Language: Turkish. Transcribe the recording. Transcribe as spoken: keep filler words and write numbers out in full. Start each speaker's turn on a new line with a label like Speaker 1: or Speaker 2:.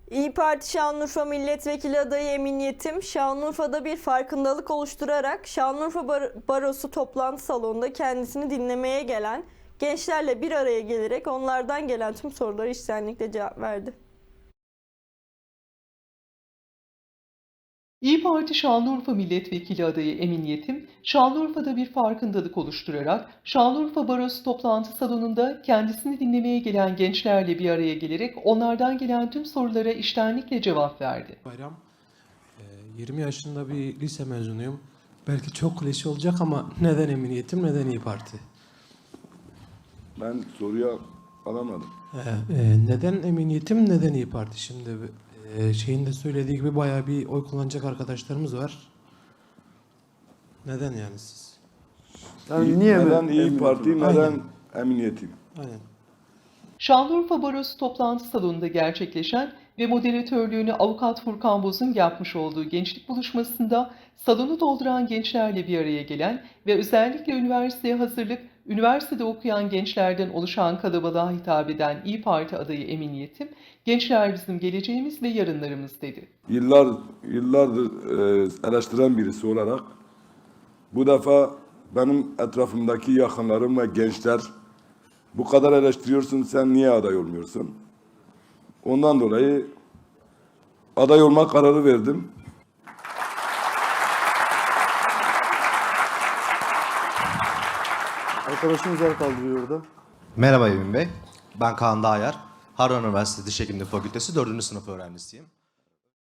Speaker 1: İYİ Parti Şanlıurfa Milletvekili adayı Emin Yetim, Şanlıurfa'da bir farkındalık oluşturarak Şanlıurfa Bar Barosu toplantı salonunda kendisini dinlemeye gelen gençlerle bir araya gelerek onlardan gelen tüm sorulara içtenlikle cevap verdi.
Speaker 2: İYİ Parti Şanlıurfa Milletvekili adayı Emin Yetim, Şanlıurfa'da bir farkındalık oluşturarak Şanlıurfa Barosu toplantı salonunda kendisini dinlemeye gelen gençlerle bir araya gelerek onlardan gelen tüm sorulara içtenlikle cevap verdi.
Speaker 3: Bayram, yirmi yaşında bir lise mezunuyum. Belki çok klişe olacak ama neden Emin Yetim, neden İYİ Parti?
Speaker 4: Ben soruyu alamadım.
Speaker 3: Ee, neden Emin Yetim, neden İYİ Parti? Şimdi e, şeyin de söylediği gibi bayağı bir oy kullanacak arkadaşlarımız var. Neden yani siz?
Speaker 4: Yani niye neden İYİ Parti, neden
Speaker 3: Aynen.
Speaker 4: Emin Yetim?
Speaker 3: Aynen.
Speaker 2: Şanlıurfa Barosu toplantı salonunda gerçekleşen ve moderatörlüğünü avukat Furkan Boz'un yapmış olduğu gençlik buluşmasında salonu dolduran gençlerle bir araya gelen ve özellikle üniversiteye hazırlık, üniversitede okuyan gençlerden oluşan kalabalığa hitap eden İYİ Parti adayı Emin Yetim, "Gençler bizim geleceğimiz ve yarınlarımız" dedi.
Speaker 4: Yıllar, yıllardır e, eleştiren birisi olarak bu defa benim etrafımdaki yakınlarım ve gençler bu kadar eleştiriyorsun, sen niye aday olmuyorsun? Ondan dolayı aday olma kararı verdim.
Speaker 5: Arkadaşımız el kaldırıyor orada.
Speaker 6: Merhaba Emin Bey, ben Kaan Dağyar. Harran Üniversitesi Diş Hekimliği Fakültesi dördüncü sınıf öğrencisiyim.